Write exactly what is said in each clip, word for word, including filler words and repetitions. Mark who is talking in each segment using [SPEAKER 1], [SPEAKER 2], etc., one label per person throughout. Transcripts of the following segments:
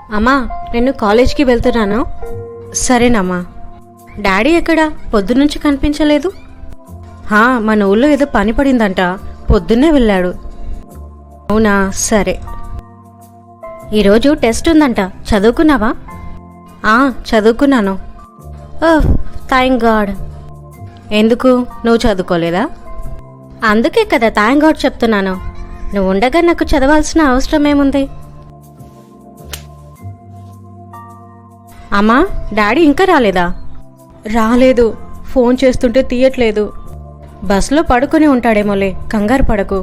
[SPEAKER 1] అమ్మా, నేను కాలేజ్కి వెళ్తున్నాను. సరేనమ్మా. డాడీ ఎక్కడా? పొద్దునుంచి కనిపించలేదు. హా, మన ఊళ్ళో ఏదో పని పడిందంట, పొద్దున్నే వెళ్ళాడు. అవునా, సరే. ఈరోజు టెస్ట్ ఉందంట, చదువుకున్నావా? ఆ, చదువుకున్నాను. Oh, thank god. ఎందుకు, నువ్వు చదువుకోలేదా? అందుకే కదా థ్యాంక్ గాడ్ చెప్తున్నాను. నువ్వు ఉండగా నాకు చదవాల్సిన అవసరం ఏముంది? అమ్మా, డాడీ ఇంకా రాలేదా? రాలేదు, ఫోన్ చేస్తుంటే తీయట్లేదు. బస్సులో పడుకొని ఉంటాడేమోలే, కంగారు పడకు.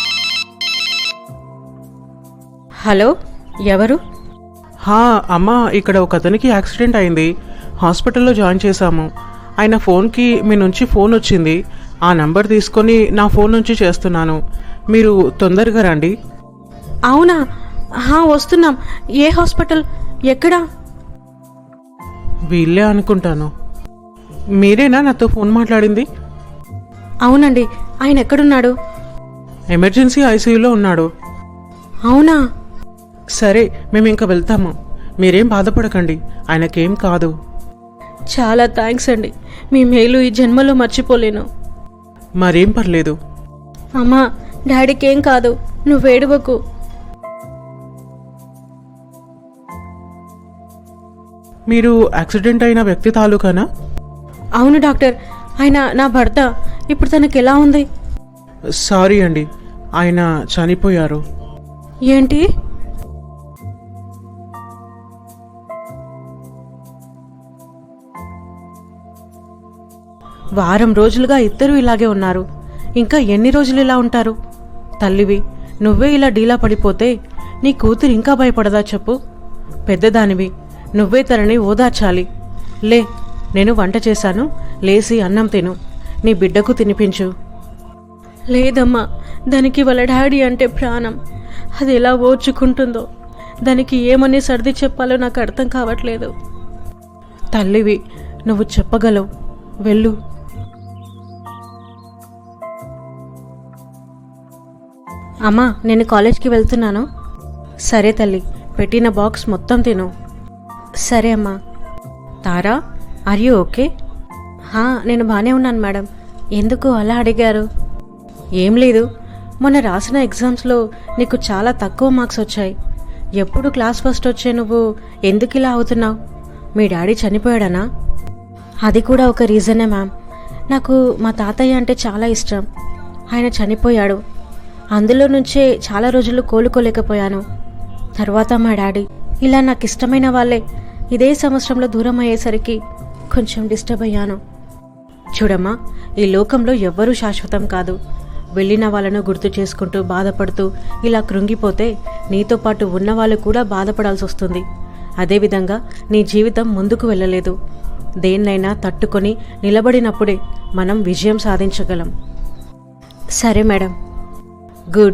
[SPEAKER 1] హలో, ఎవరు?
[SPEAKER 2] హా అమ్మా, ఇక్కడ ఒక అతనికి యాక్సిడెంట్ అయింది, హాస్పిటల్లో జాయిన్ చేశాము. ఆయన ఫోన్కి మీ నుంచి ఫోన్ వచ్చింది. ఆ నంబర్ తీసుకొని నా ఫోన్ నుంచి చేస్తున్నాను. మీరు తొందరగా రండి.
[SPEAKER 1] అవునా? హా, వస్తున్నాం. ఏ హాస్పిటల్? ఎక్కడా?
[SPEAKER 2] వీళ్ళే అనుకుంటాను. మీరేనా నాతో ఫోన్ మాట్లాడింది?
[SPEAKER 1] అవునండి. ఆయన ఎక్కడున్నాడు?
[SPEAKER 2] ఎమర్జెన్సీ ఐసీయూలో ఉన్నాడు.
[SPEAKER 1] అవునా?
[SPEAKER 2] సరే, మేము ఇంకా వెళ్తాము. మీరేం బాధపడకండి, ఆయనకేం కాదు.
[SPEAKER 1] చాలా థ్యాంక్స్ అండి, మీ మేలు ఈ జన్మలో మర్చిపోలేను.
[SPEAKER 2] మరేం పర్లేదు.
[SPEAKER 1] అమ్మా, డాడీకి ఏం కాదు, నువ్వు ఏడవకు.
[SPEAKER 2] మీరు యాక్సిడెంట్ అయిన వ్యక్తి తాలూకానా?
[SPEAKER 1] అవును డాక్టర్, ఆయన నా భర్త. ఇప్పుడు తనకి ఎలా ఉంది?
[SPEAKER 2] సారీ అండి, ఆయన చనిపోయారు.
[SPEAKER 1] ఏంటి? వారం రోజులుగా ఇద్దరు ఇలాగే ఉన్నారు. ఇంకా ఎన్ని రోజులు ఇలా ఉంటారు? తల్లివి, నువ్వే ఇలా డీలా పడిపోతే నీ కూతురు ఇంకా భయపడదా చెప్పు? పెద్దదానివి, నువ్వే తనని ఓదార్చాలి. లే, నేను వంట చేశాను, లేసి అన్నం తిను, నీ బిడ్డకు తినిపించు. లేదమ్మా, దానికి వాళ్ళ డాడీ అంటే ప్రాణం. అది ఎలా ఓర్చుకుంటుందో, దానికి ఏమని సర్ది చెప్పాలో నాకు అర్థం కావట్లేదు. తల్లివి, నువ్వు చెప్పగలవు, వెళ్ళు. అమ్మా, నేను కాలేజ్కి వెళ్తున్నాను. సరే తల్లి, పెట్టిన బాక్స్ మొత్తం తిను. సరే అమ్మా. Tara, are you okay? హా, నేను బాగానే ఉన్నాను మేడం. ఎందుకు అలా అడిగారు? ఏం లేదు, మొన్న రాసిన ఎగ్జామ్స్లో నీకు చాలా తక్కువ మార్క్స్ వచ్చాయి. ఎప్పుడు క్లాస్ ఫస్ట్ వచ్చే నువ్వు ఎందుకు ఇలా అవుతున్నావు? మీ డాడీ చనిపోయాడనా? అది కూడా ఒక రీజనే మ్యామ్. నాకు మా తాతయ్య అంటే చాలా ఇష్టం. ఆయన చనిపోయాడు. అందులో నుంచే చాలా రోజులు కోలుకోలేకపోయాను. తర్వాత మా డాడీ. ఇలా నాకు ఇష్టమైన వాళ్ళే ఇదే సంవత్సరంలో దూరం అయ్యేసరికి కొంచెం డిస్టర్బ్ అయ్యాను. చూడమ్మా, ఈ లోకంలో ఎవ్వరూ శాశ్వతం కాదు. వెళ్ళిన వాళ్ళను గుర్తు చేసుకుంటూ బాధపడుతూ ఇలా కృంగిపోతే నీతో పాటు ఉన్నవాళ్ళు కూడా బాధపడాల్సి వస్తుంది. అదేవిధంగా నీ జీవితం ముందుకు వెళ్ళలేదు. దేన్నైనా తట్టుకొని నిలబడినప్పుడే మనం విజయం సాధించగలం. సరే మేడం. గుడ్.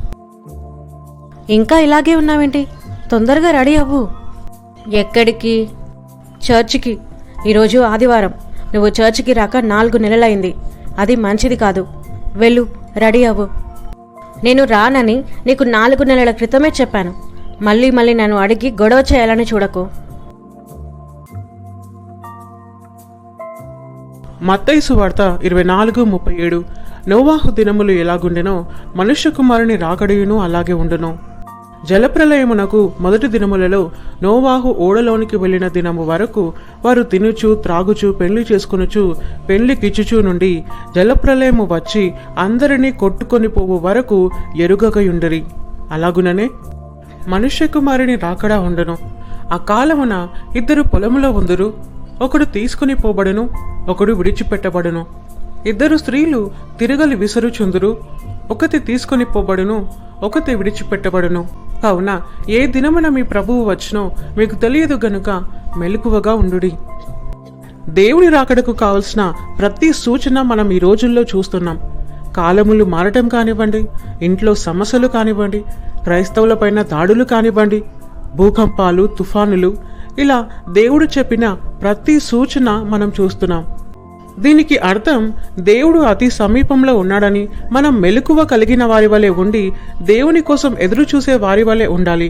[SPEAKER 1] ఇంకా ఇలాగే ఉన్నావేంటి? తొందరగా రెడీ అవ్వు. ఎక్కడికి? చర్చికి. ఈరోజు ఆదివారం. నువ్వు చర్చికి రాక నాలుగు నెలలైంది. అది మంచిది కాదు. వెళ్ళు, రెడీ అవ్వు. నేను రానని నీకు నాలుగు నెలల క్రితమే చెప్పాను. మళ్ళీ మళ్ళీ నన్ను అడిగి గొడవ చేయాలని చూడకు.
[SPEAKER 2] మత్తయి సువార్త ఇరవై నాలుగు ముప్పై ఏడు. నోవాహు దినములు ఎలాగుండెనో మనుష్య కుమారుని రాకడయును అలాగే ఉండును. జలప్రలయమునకు మొదటి దినములలో నోవాహు ఓడలోనికి వెళ్ళిన దినము వరకు వారు తినుచు త్రాగుచు పెళ్లి చేసుకునుచు పెళ్లి కిచ్చుచు నుండి జలప్రలయము వచ్చి అందరినీ కొట్టుకొని పోవు వరకు ఎరుగకయుండిరి. అలాగుననే మనుష్య కుమారుని రాకడా ఉండును. ఆ కాలమున ఇద్దరు పొలములో ఉందురు, ఒకడు తీసుకుని పోబడును, ఒకడు విడిచిపెట్టబడును. ఇద్దరు స్త్రీలు తిరగలి విసరుచుందురు, ఒకటి తీసుకుని పోబడును, ఒకటి విడిచిపెట్టబడును. కావున ఏ దినమున మీ ప్రభువు వచ్చునో మీకు తెలియదు గనుక మెలకువగా ఉండుడి. దేవుని రాకడకు కావలసిన ప్రతి సూచన మనం ఈ రోజుల్లో చూస్తున్నాం. కాలములు మారటం కానివ్వండి, ఇంట్లో సమస్యలు కానివ్వండి, క్రైస్తవులపైన దాడులు కానివ్వండి, భూకంపాలు, తుఫానులు, ఇలా దేవుడు చెప్పిన ప్రతి సూచన మనం చూస్తున్నాం. దీనికి అర్థం దేవుడు అతి సమీపంలో ఉన్నాడని, మనం మెలకువ కలిగిన వారి వలె ఉండి దేవుని కోసం ఎదురు చూసే వారి వలె ఉండాలి.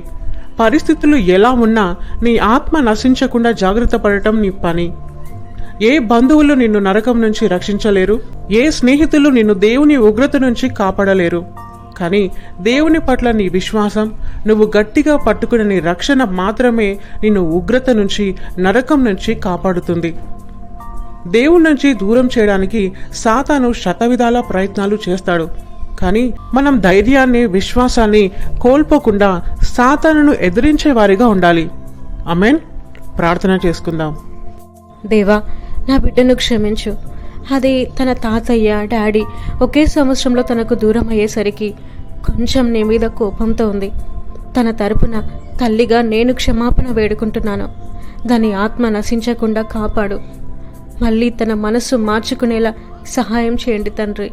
[SPEAKER 2] పరిస్థితులు ఎలా ఉన్నా నీ ఆత్మ నశించకుండా జాగ్రత్త పడటం నీ పని. ఏ బంధువులు నిన్ను నరకం నుంచి రక్షించలేరు, ఏ స్నేహితులు నిన్ను దేవుని ఉగ్రత నుంచి కాపాడలేరు. కానీ దేవుని పట్ల నీ విశ్వాసం, నువ్వు గట్టిగా పట్టుకునే నీ రక్షణ మాత్రమే నిన్ను ఉగ్రత నుంచి, నరకం నుంచి కాపాడుతుంది. దేవుడి నుంచి దూరం చేయడానికి సాతాను శతవిధాల ప్రయత్నాలు చేస్తాడు. కానీ మనం ధైర్యాన్ని, విశ్వాసాన్ని కోల్పోకుండా సాతానును ఎదిరించే వారిగా ఉండాలి. ఆమేన్. ప్రార్థన చేసుకుందాం.
[SPEAKER 1] దేవా, నా బిడ్డను క్షమించు. అది తన తాతయ్య, డాడీ ఒకే సంవత్సరంలో తనకు దూరం అయ్యేసరికి కొంచెం నీ మీద కోపంతో ఉంది. తన తరపున తల్లిగా నేను క్షమాపణ వేడుకుంటున్నాను. దాని ఆత్మ నశించకుండా కాపాడు. మళ్ళీ తన మనసు మార్చుకునేలా సహాయం చేయండి తండ్రి.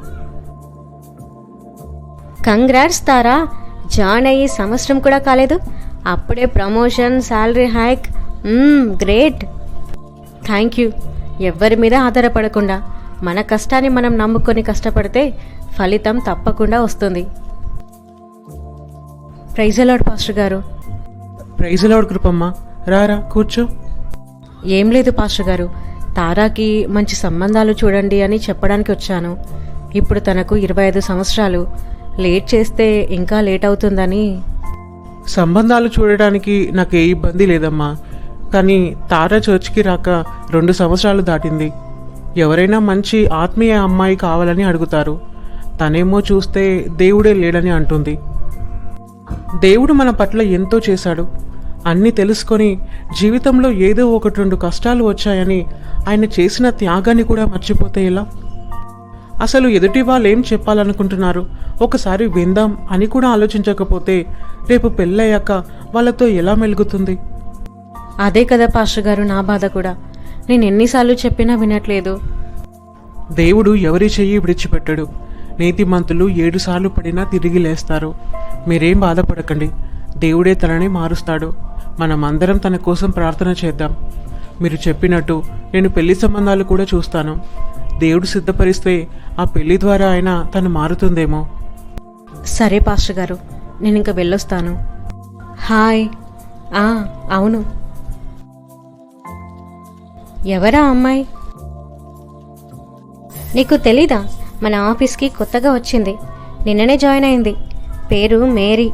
[SPEAKER 3] కంగ్రాట్స్ తారా, జాయిన్ అయ్యి సంవత్సరం కూడా కాలేదు, అప్పుడే promotion, salary hike. Great.
[SPEAKER 1] Thank you. ఎవ్వరి మీద ఆధారపడకుండా మన కష్టాన్ని మనం నమ్ముకొని కష్టపడితే ఫలితం తప్పకుండా వస్తుంది. ప్రైజ్ లార్డ్ పాస్టర్ గారు.
[SPEAKER 2] Praise lord Kripamma. రారా కూర్చో.
[SPEAKER 1] ఏం లేదు పాస్టర్ గారు, తారాకి మంచి సంబంధాలు చూడండి అని చెప్పడానికి వచ్చాను. ఇప్పుడు తనకు ఇరవై ఐదు సంవత్సరాలు. లేట్ చేస్తే ఇంకా లేట్ అవుతుందని.
[SPEAKER 2] సంబంధాలు చూడడానికి నాకు ఏ ఇబ్బంది లేదమ్మా. కానీ తారా చర్చ్కి రాక రెండు సంవత్సరాలు దాటింది. ఎవరైనా మంచి ఆత్మీయ అమ్మాయి కావాలని అడుగుతారు. తనేమో చూస్తే దేవుడే లేడని అంటుంది. దేవుడు మన పట్ల ఎంతో చేశాడు. అన్నీ తెలుసుకొని జీవితంలో ఏదో ఒకటి రెండు కష్టాలు వచ్చాయని ఆయన చేసిన త్యాగాన్ని కూడా మర్చిపోతే ఎలా? అసలు ఎదుటి వాళ్ళు ఏం చెప్పాలనుకుంటున్నారు ఒకసారి విందాం అని కూడా ఆలోచించకపోతే రేపు పెళ్ళయ్యాక వాళ్ళతో ఎలా మెలుగుతుంది?
[SPEAKER 1] అదే కదా పాస్టర్ గారు నా బాధ కూడా. నేను ఎన్నిసార్లు చెప్పినా వినట్లేదు.
[SPEAKER 2] దేవుడు ఎవరి చెయ్యి విడిచిపెట్టడు. నీతిమంతులు ఏడు సార్లు పడినా తిరిగి లేస్తారు. మీరేం బాధపడకండి. దేవుడే తనని మారుస్తాడు. మనమందరం తన కోసం ప్రార్థన చేద్దాం. మీరు చెప్పినట్టు నేను పెళ్లి సంబంధాలు కూడా చూస్తాను. దేవుడు సిద్ధపరిస్తే ఆ పెళ్లి ద్వారా అయినా తను మారుతుందేమో.
[SPEAKER 1] సరే పాస్టర్ గారు, నేను ఇంకా వెళ్ళొస్తాను. హాయ్. ఆ అవును.
[SPEAKER 3] ఎవరా అమ్మాయి? నీకు తెలీదా? మన ఆఫీస్కి కొత్తగా వచ్చింది, నిన్ననే జాయిన్ అయింది. పేరు మేరీ.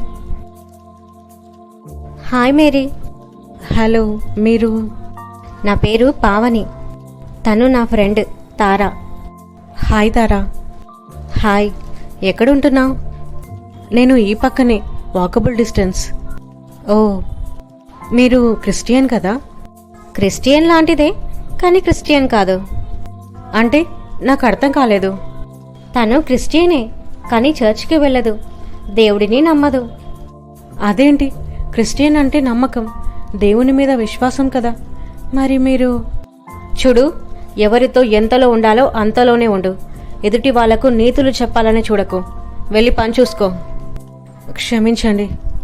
[SPEAKER 3] Hi Mary.
[SPEAKER 1] హలో, మీరు?
[SPEAKER 3] నా పేరు పావని. తను నా friend Tara.
[SPEAKER 1] Hi Tara.
[SPEAKER 3] Hi. ఎక్కడుంటున్నావు?
[SPEAKER 1] నేను ఈ పక్కనే, వాకబుల్ డిస్టెన్స్. ఓ, మీరు క్రిస్టియన్ కదా?
[SPEAKER 3] క్రిస్టియన్ లాంటిదే, కానీ క్రిస్టియన్ కాదు.
[SPEAKER 1] అంటే నాకు అర్థం కాలేదు.
[SPEAKER 3] తను క్రిస్టియనే, కానీ చర్చ్కి వెళ్ళదు, దేవుడిని నమ్మదు.
[SPEAKER 1] అదేంటి? క్రిస్టియన్ అంటే నమ్మకం, దేవుని మీద విశ్వాసం కదా. మరి మీరు?
[SPEAKER 3] చూడు, ఎవరితో ఎంతలో ఉండాలో అంతలోనే ఉండు. ఎదుటి వాళ్లకు నీతులు చెప్పాలని చూడకు. వెళ్ళి పని చూసుకో.
[SPEAKER 1] క్షమించండి.